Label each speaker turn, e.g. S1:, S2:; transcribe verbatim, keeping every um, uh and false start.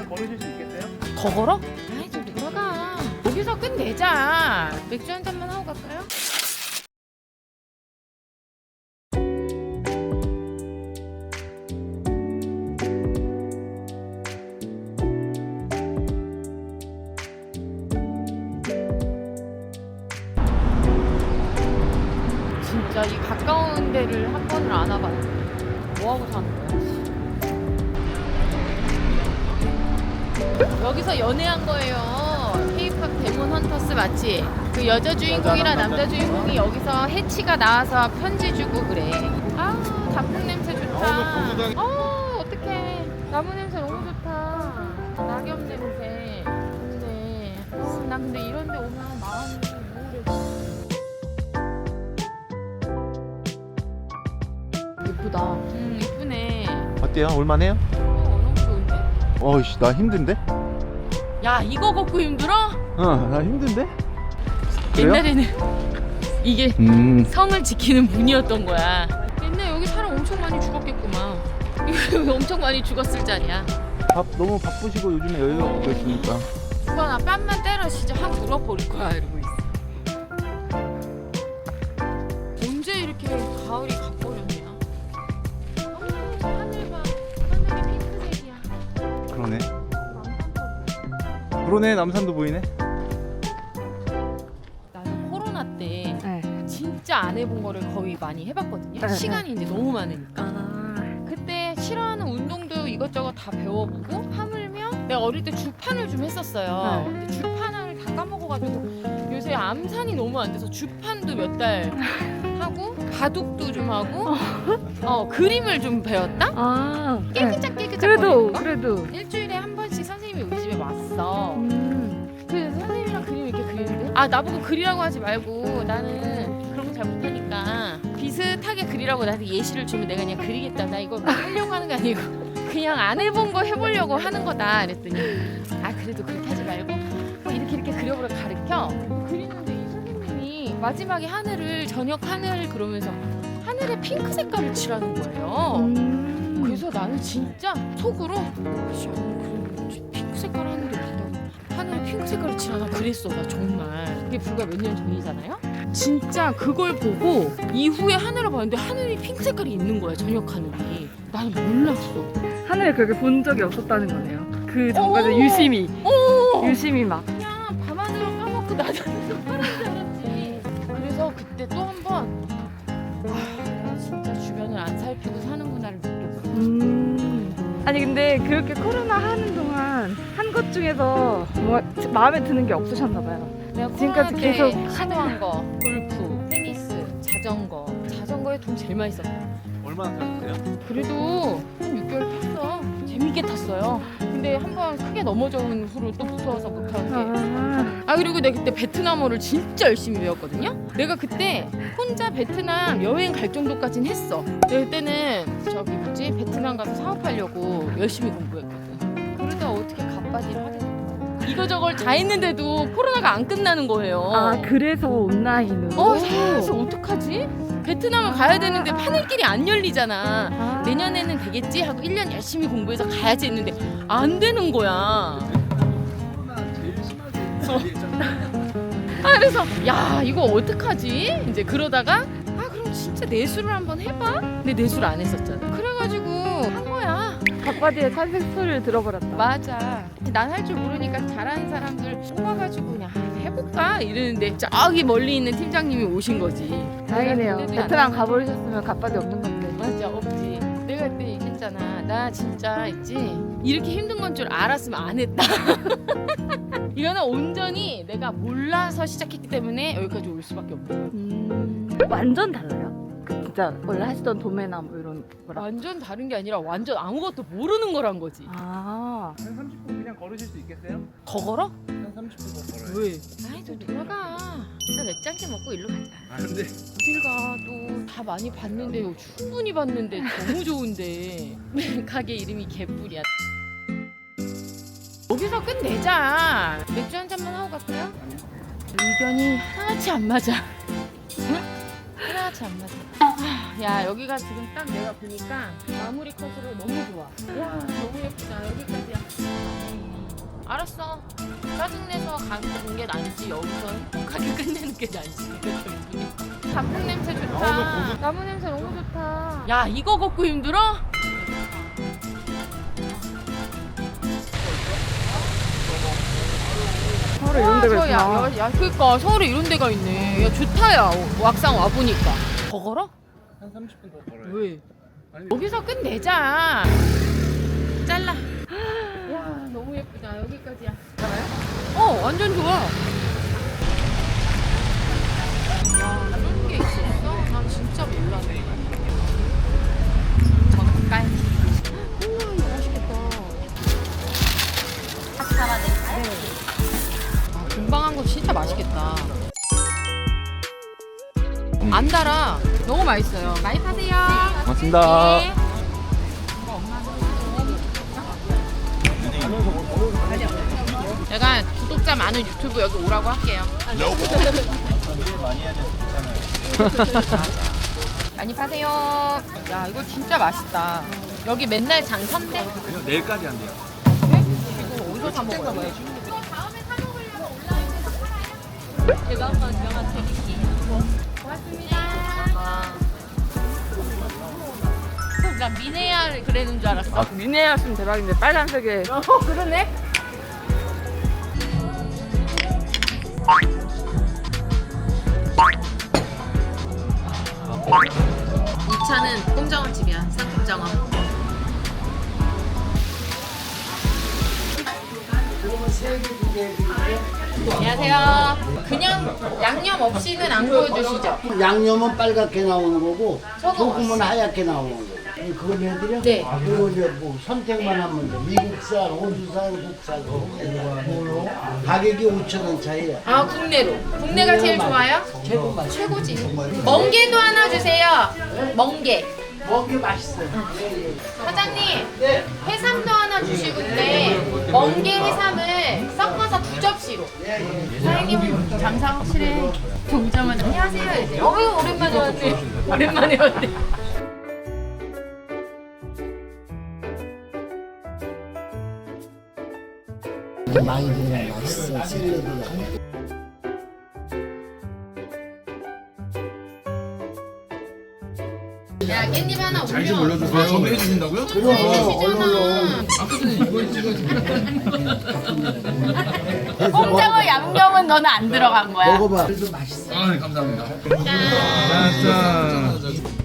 S1: 그냥 걸으실 수 있겠어요?
S2: 더 걸어? 아이 좀 들어가. 여기서 끝내자. 맥주 한 잔만 하고 갈까요? 진짜 이 가까운 데를 한 번을 안 와봤는데 뭐하고 사는 거야? 여기서 연애한 거예요. K-팝 데몬 헌터스 맞지? 그 여자 주인공이랑 남자 주인공이 여기서 해치가 나와서 편지 주고 그래. 아 단풍 냄새 좋다. 어 어떡해. 나무 냄새 너무 좋다. 낙엽 냄새. 좋네. 난 근데 이런 데 오면 마음이 우울해. 예쁘다. 음 예쁘네.
S1: 어때요? 올만해요?
S2: 어 너무 좋은데?
S1: 어이씨 나 힘든데?
S2: 야 이거 걷고 힘들어?
S1: 어나 힘든데? 그래요?
S2: 옛날에는 이게
S1: 음
S2: 성을 지키는 문이었던 거야. 옛날 여기 사람 엄청 많이 죽었겠구만. 여기 엄청 많이 죽었을 자리야.
S1: 밥 너무 바쁘시고 요즘에 여유가 없고 있으니까
S2: 누가 나 뺨만 때려 진짜 확 물어버릴 거야 이러고 있어. 언제 이렇게 가을이 가버렸냐. 어, 저 하늘 봐. 하늘이 핑크색이야.
S1: 그러네 그러네 남산도 보이네
S2: 나는 코로나 때
S3: 네.
S2: 진짜 안 해본 거를 거의 많이 해봤거든요.
S3: 네,
S2: 시간이 이제 너무 많으니까.
S3: 아,
S2: 그때 싫어하는 운동도 이것저것 다 배워보고 하물며 내가 어릴 때 주판을 좀 했었어요.
S3: 네.
S2: 근데 주판을 다 까먹어가지고 요새 암산이 너무 안 돼서 주판도 몇 달 하고 바둑도 좀 하고 어 그림을 좀 배웠다?
S3: 아, 네.
S2: 깨끗짝 깨끗짝
S3: 그래도
S2: 거리는 거?
S3: 그래도
S2: 일주일에 한 번씩 선생님이 우리 집에 왔어.
S3: 음,
S2: 그래서 선생님이랑 그림 이렇게 그리는데 아 나보고 그리라고 하지 말고 나는 그런 거 잘 못하니까 비슷하게 그리라고 나한테 예시를 주면 내가 그냥 그리겠다. 나 이거 뭐 하려고 하는 게 아니고 그냥 안 해본 거 해보려고 하는 거다 그랬더니 아 그래도 그렇게 하지 말고 뭐 이렇게 이렇게 그려보라 가르쳐. 그리는데 이 선생님이 마지막에 하늘을 저녁 하늘 그러면서 하늘에 핑크 색깔을 칠하는 거예요.
S3: 음.
S2: 그래서 나는 진짜 속으로 씨, 그럼 핑크 색깔 하늘에 빛나고 하늘에 핑크 색깔을 칠하나 그랬어. 나 정말 그게 불과 몇 년 전이잖아요. 진짜 그걸 보고 이후에 하늘을 봤는데 하늘이 핑크 색깔이 있는 거야. 저녁 하늘이. 나는 몰랐어.
S3: 하늘에 그렇게 본 적이 없었다는 거네요. 그 전까지
S2: 오!
S3: 유심히
S2: 어
S3: 유심히 막
S2: 그냥 밤하늘을 까먹고 나자면서 파란 줄 알았지. 그래서 그때 또 한 번 아, 내가 진짜 주변을 안 살피고 사는구나를 느꼈어.
S3: 음. 아니 근데 그렇게 코로나 하는 동안 한 것 중에서 뭐 마음에 드는 게 없으셨나 봐요.
S2: 내가
S3: 지금까지
S2: 코로나 때
S3: 계속
S2: 시도한 거 골프, 테니스, 자전거. 자전거에 돈 제일 많이 썼어.
S1: 얼마나 타셨어요?
S2: 그래도 한 육 개월 탔어. 재밌게 탔어요. 근데 한 번 크게 넘어져 온 후로 또 무서워서 못 타는데.
S3: 아,
S2: 아 그리고 내가 그때 베트남어를 진짜 열심히 배웠거든요. 내가 그때 혼자 베트남 여행 갈 정도까지는 했어. 내가 그때는 저기 뭐지 베트남 가서 사업하려고 열심히 공부했거든. 그러다 어떻게 갑바지를 하게 됐어. 이거저걸 다 했는데도 코로나가 안 끝나는 거예요.
S3: 아 그래서 온라인으로.
S2: 어 그래서 어떡하지? 베트남을 가야 되는데 하늘길이 안 열리잖아.
S3: 아.
S2: 내년에는 되겠지 하고 일 년 열심히 공부해서 가야지 했는데 안 되는 거야.
S1: 코로나 제일 심하게
S2: 아 그래서 야 이거 어떡하지? 이제 그러다가 아 그럼 진짜 내수를 한번 해봐? 근데 내수를 안 했었잖아. 그래가지고 한 거야.
S3: 갑바디의 탄생 소리를 들어버렸다.
S2: 맞아. 난 할 줄 모르니까 잘하는 사람들 뽑아가지고 그냥 아, 해볼까 이러는데 저기 멀리 있는 팀장님이 오신 거지.
S3: 다행이네요.
S2: 근데도
S3: 베트남
S2: 안
S3: 가버리셨으면 갑바디 없는 건데.
S2: 맞아 없지. 내가 그때 얘기했잖아. 나 진짜 있지 이렇게 힘든 건 줄 알았으면 안 했다. 이거는 온전히 내가 몰라서 시작했기 때문에 여기까지 올 수밖에 없는 거야.
S3: 음, 완전 달라요. 그 진짜 원래 하시던 도매나 뭐 이런 거랑.
S2: 완전 다른 게 아니라 완전 아무것도 모르는 거란 거지.
S3: 아,
S1: 한 삼십 분 그냥 걸으실 수 있겠어요?
S2: 더 걸어?
S1: 한 삼십 분 더 걸어요
S2: 왜? 아이 좀 돌아가. 나 맥주 한 잔 먹고 일로 가자.
S1: 아 근데
S2: 어딜 가? 또 다 많이 봤는데 충분히 봤는데 너무 좋은데 가게 이름이 개뿔이야. 여기서 끝내자. 맥주 한 잔만 하고 갈까요? 의견이 하나같이 안 맞아. 응? 하나같이 안 맞아. 아, 야 여기가 지금 딱 내가 보니까 마무리 컷으로 너무 좋아. 야 너무 예쁘다. 여기까지야. 알았어. 짜증내서 가는 게 낫지. 여기서 행복하게 끝내는 게 낫지. 단풍 냄새 좋다. 나무 냄새 너무 좋다. 야, 이거 걷고 힘들어?
S3: 서울에 이런 데가
S2: 저, 야,
S3: 있구나.
S2: 야, 야, 그니까 서울에 이런 데가 있네. 야, 좋다, 야. 왁상 와보니까. 더 걸어?
S1: 한 삼십 분 더 걸어요.
S2: 왜?
S1: 아니,
S2: 여기서 끝내자. 잘라. 와, 너무 예쁘다. 여기까지야. 어, 완전 좋아. 야, 이런 게 있었어? 난 진짜 몰랐네. 젓갈. 우와, 이거 맛있겠다. 아, 금방 한 거 진짜 맛있겠다. 안 달아. 너무 맛있어요. 많이 파세요.
S1: 고맙습니다.
S2: 네. 제가 구독자 많은 유튜브 여기 오라고 할게요. 많이 파세요. 야, 이거 진짜 맛있다. 여기 맨날 장선대?
S1: 내일까지 한대요.
S2: 이거 어디서 사 먹어요? 이거 다음에 사 먹으려고 온라인에서 제가 한번 명함 드릴게요. 고맙습니다. 나 미네야 그러는 줄 알았어.
S3: 아, 미네였으면 대박인데 빨간색에.
S2: 어, 그러네. 이 차는 꼼장어집이야. 쌍꼼장어. 안녕하세요. 그냥 양념 없이는 안 구워주시죠?
S4: 양념은 빨갛게 나오는 거고
S2: 저거
S4: 소금은 하얗게 나오는 거고. 그걸 해드려?
S2: 네.
S4: 그리고 이제 뭐 선택만 하면 돼. 미국산, 호주산, 국산. 뭘로? 가격이 오천 원 차이야.
S2: 아, 국내로. 국내가 제일 좋아요? 최고지. 멍게도 하나 주세요. 멍게.
S4: 먹기 맛있어요.
S2: 사장님,
S4: 네.
S2: 해삼도 하나 주시고 근데 멍게 해삼을 섞어서 두 접시로. 사장님은 장사 확실해. 오자마자 안녕하세요 이제. 어유 오랜만에 왔네. 오랜만에 왔네.
S4: 많이 들면 맛있어. 샐러드가.
S2: 야, 깻잎 하나 올려.
S1: 잘 좀 올려주세요. 좀 해주신다고요?
S4: 그럼 얼른
S1: 아까 전에 이거 찍어주세요.
S2: 꼼장어 양념은 너는 안 들어간 거야.
S4: 먹어봐. 그래도 맛있어.
S1: 아, 네, 감사합니다.
S2: 짠.
S1: 짠.